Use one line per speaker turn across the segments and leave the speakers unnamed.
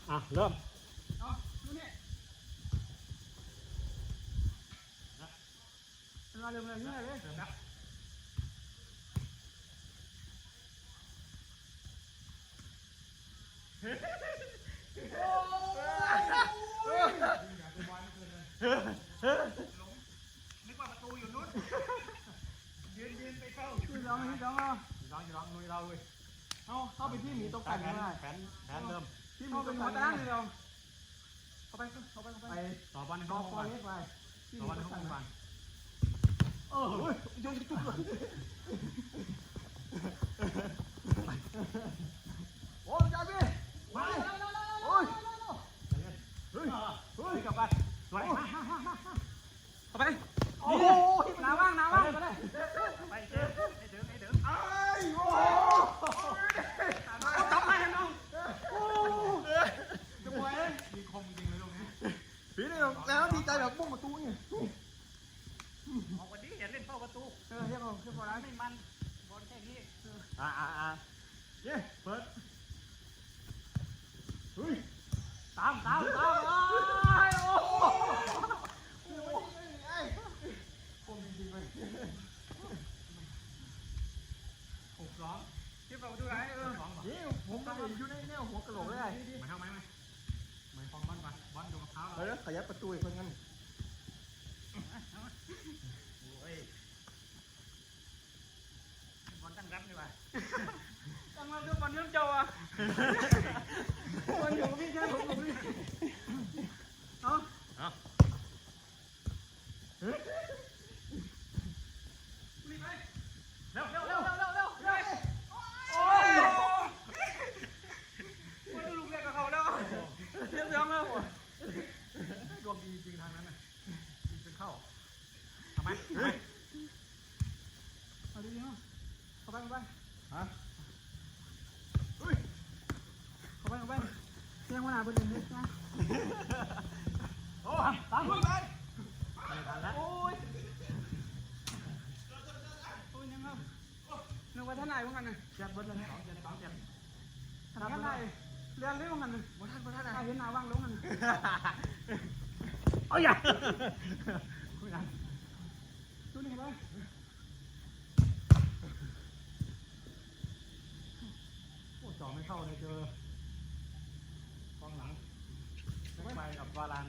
เริ่ม
เอาดูนี่มาเริ่มเลยนี่เลยนะนึกว่าประตูอยู่นู้นยืนไปเข้ายืนร้องลุยเราเลยเข้าไปที่หมีตกแต่งไม่ได้
แผนเริ่ม
ที่หมีตกแต่งตั้งเลยเราเข้าไป
ต่อบอลในห้องก่อนต่อบอลในห้องก่อน
โยนจุ๊บเลยโอ้ยจ่ายพี่ไปโอ้ยเฮ้ยกลับไปสวยเข้าไปโอ้ยน้ำว่างไปเลยไปเจอไอ้โอ้จับไปน้องจะปล่อยมีคมจริงเลยตรงนี้พี่นี่แล้วดีใจแบบมุ่งประตูนี่ออกวันนี้อย่าเล่นเข้าประตูเรียกพอแล้วไม่มันบอลแค่นี้
เย้เปิด
เฮ้ยตามโอ้คมจริงเลยร้องที่เราดูไรนี่ผมก็อยู่ในแนวหัวกระโหลกเลย
มาเข้าไหมฟองบอลก่อนบอลอยู่กับเท้า
แล้วขยับประตูอีกคนงั้น
บอลตั้งรับดีกว่า
ตั้งมาดูบอลเนื้อเจ้าบอลอยู่กับพี่แค่ผมกับพี่รีบไปเร็วโอ้ยมันลูกเล็กกับเขาแล้วเสียงแล้ว
ดวงดีจริงทางนั้นนะยิงเป็นเข้าทำไม
เอาดีๆเข้าไป
ฮะ
เข้าไปเสียงวันหนาเป็นยังไงนะ
โอ้ตามไปไม่ทันแล้ว
โอ้ยยังครับนึกว่าท่านนายพวกมันน่ะ
จัดเบิร์ดเลย
ท่านนายเรียนเรื่องมันน่ะท่านนายเห็นหน้าว่างลงมัน
เอาอย่า
ดูนี่เลย
โอ้จ่อไม่เข้าเลยเจอกองหลังไปกับวาลาน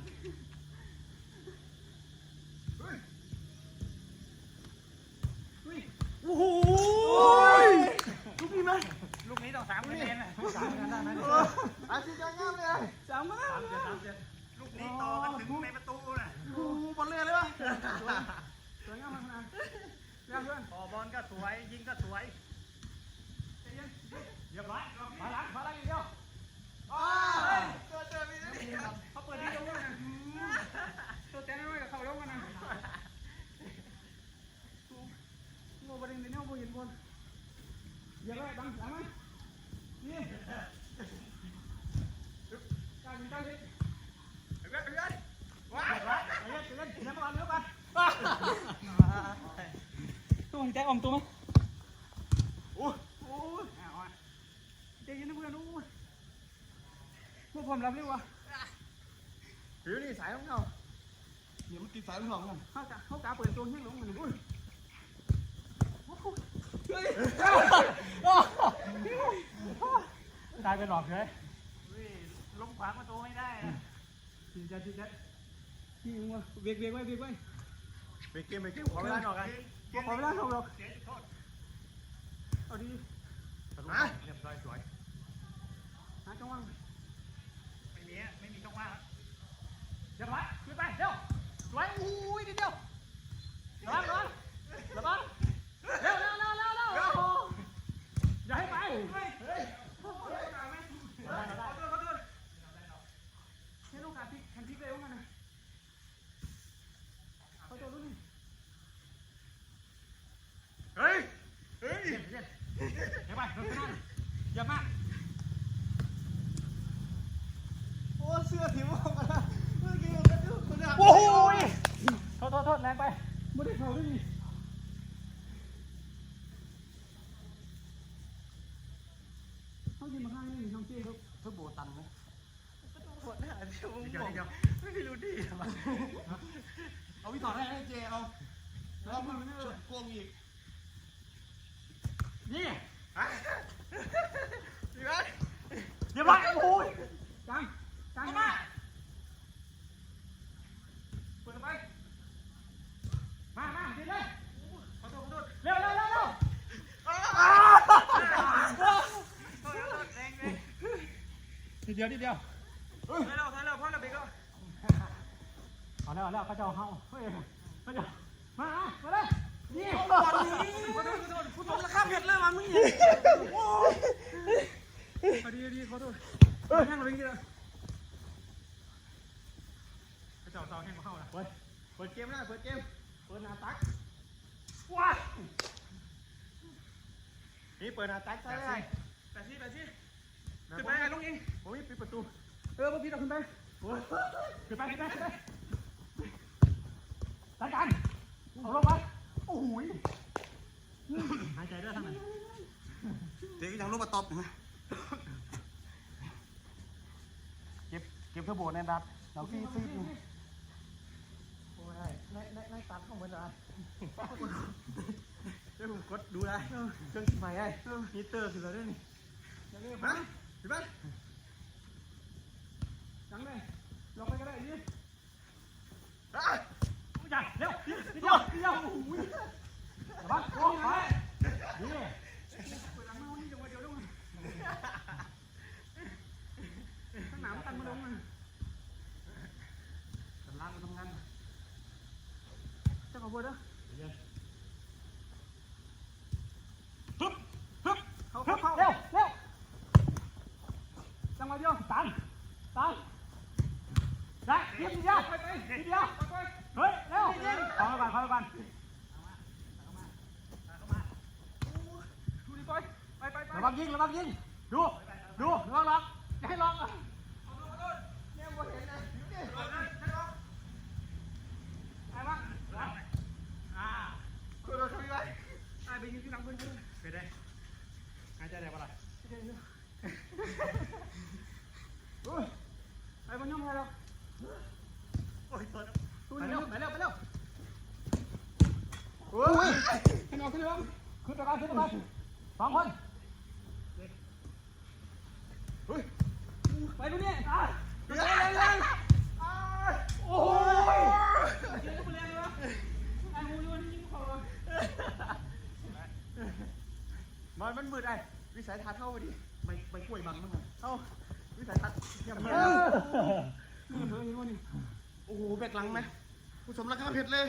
โอ้โหลูกนี้ไหม
ลูกนี้ต้อง3 คะแนนนะ3 คะแนนได้ไหม
อาชีพยังงามเลย3 คะแนน
ลูกนี้ต่อกันถึงในประตูน่ะ
โอ้บอลเล่เลยวะสวยงามมากนะเรื่องเพื่อน
ต่อบอลก็สวยยิงก็สวยเรียบร้อยมาล้างอีกเดียว
เจอมีนี่เขาเปิดดีตรงนี้นะตัวแตงน้อยกับเขาลงกันนะโง่ประเด็นเนี่ยโง่เห็นบอลอย่าเลยดังหลังไหมนี่การยิงได้ดิว้าวเล่นน้ำมันเยอะไปตัวหินใจอ่อมตัวมั้ยโอ้ใจเย็นนะเพื่อนโอ้ยพวกผมรับเร็ววะ
ผิวนี่สายของเขา
เดี๋ยวมันติดสายของเรากันเขากาเปิดตัวให้ลงกันเลย
ตายไปหลอกเลย
ลงขวางประตูไม่ได้ทีจัดที่มึงวะเบรกไว้
เกมขอเวลาหน่อยกัน
ขอเวลาหน่อยหรอกเอาดี
เรียบร้อยสวย
หาช่องว่าง
ไม่มีช่องว่าง
เรียบร้อยขึ้นไปเร็วสวยอุ้ยนิดเดียวระวังเร็วอย่าให้ไปให้ลูกการพลิกแข่งพลิกเร็วกันนะเขาตัวรุ่นนี้
เฮ้ยอย่าไปอย่ามา
โอ้เสื้อผิวออกมาแล้วเมื่อกี้
โอ้ยโทษแรงไป
ไม่ได้เข้าด้วยนี่เขายิงมาข้างนี้ช่องเจ๊ครับ
เพื่อโบตันไหมเดียวนิดเดียว
ไม่รู้ดิเอาพี่ถอดให้เจเอาแล้วมันชุดโกงอีกนี่ดีไหมเดี๋ยวมาโอ้ยจังมาเปิดไปมาดีเลยขอโทษเร็วนิดเดียวถอยแล้วพ่อเราเบรกแล้วเอาแล้วเขาจะเอาเฮ้ยเขาจะมาเลยนี่ขอโทษผู้ชมราคาเผ็ดเลยมันมึงดีขอโทษแห้งเราเป็นกี่แล้วเขาจะเอาแห้งมาเข้านะเปิดเกมนะเปิดหน้าตักว้านี่เปิดหน้าตักใช่ไหมแปดซี่ขึ้นไปลุงเองโอ้ยปิดประตูเมื่อกี้เราขึ้นไปขึ้นไปจัดการเอาลงมาโอ้โหหายใจด้วยทางไหนเด็กยังลูกมาตบนะเก็บเทอร์โบในดับเราฟีโอ้ยในตัดของมันอะไรเดี๋ยวผมกดดูได้เครื่องใหม่ไอ้ฮีเตอร์คืออะไรด้วยนี่มาขึ้นไปจังเลยลงไปก็ได้ดิอย่าเร็วนิดเดียวโอ้ยระวังโอ้ยนี่เปิดหลังมานี่จังหวะเดียวลงข้างหน้าตั้งมาลงมาตำรางมาทำงานจะขอพูดนะฮึบเขาเร็วจังหวะเดียวตันได้นิดเดียวเฮ้ยเร็วขอก่อนดูดิปอยไประวังยิงดูระวังล็อกอย่าให้ล็อกเนี่ยบอลเห็นนะไอ้บ้างคุณเราทำยังไงไอ้ไปยิงที่หลังเพื่อนไปได้หายใจได้ปะล่ะไอ้บอลย่อมอะไรหรอโอ้ยไปเร็วโอ้ยขึ้นไปก่อนสองคนเฮ้ยไปดูนี่เร็วโอ้ยเจ๊ก็ไปเร็วเลยวะไอ้หูยวันนี้ยิงเขามันมืดไอ้วิสัยทัศน์เท่าดิไปกล้วยบังมั้งเท่าวิสัยทัศน์เยี่ยมนี่โอ้โหแบกหลังไหมผู้ชมราคาเผ็ดเลย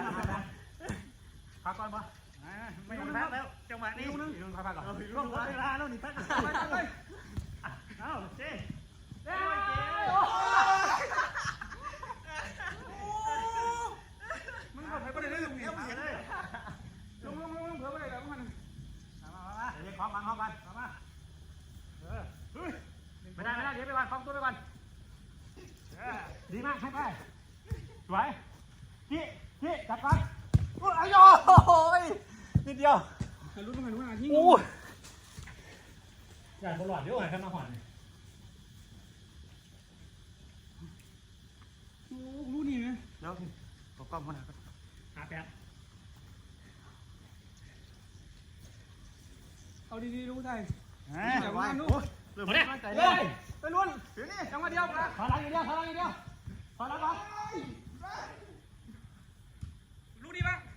พักก่อนปะไม่ต้องพักแล้วจังหวะนี้ลุงพักก่อนลุงเวลาแล้วนี่พักไปเอาเจ๊มึงเผลอไปได้ลุงเนี่ยลุงเผลอไปได้แล้วมันมาเดี๋ยวคล้องกันมาไม่ได้เดี๋ยวไปวันคล้องตัวไปก่อนดีมากให้ไปสวยจี้จับก่อนไอ้โอ้ยนิดเดียวลุ้นทิ้งโอ้ยอย่าบอลหลอดเดี๋ยวหายข้างหน้าหอนโอ้รู้นี่ไหมแล้วทีตกกล้องมาหาแป๊บเอาดีๆรู้ใจอย่าว่านู้เริ่มมั่นใจเลยไปลุ้นเดี๋ยวนี้จังหวะเดียวถอยหลังอย่างเดียวถอยหลังก่อนรู้ดีป่ะ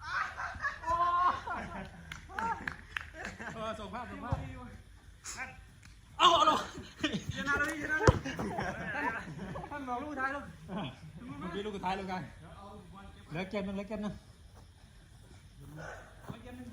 ส่งภาพเอาลงชนะเลยท่านบอกลูกท้ายลูกเมื่อกี้ลูกท้ายลูกกันเหลือเกมนึง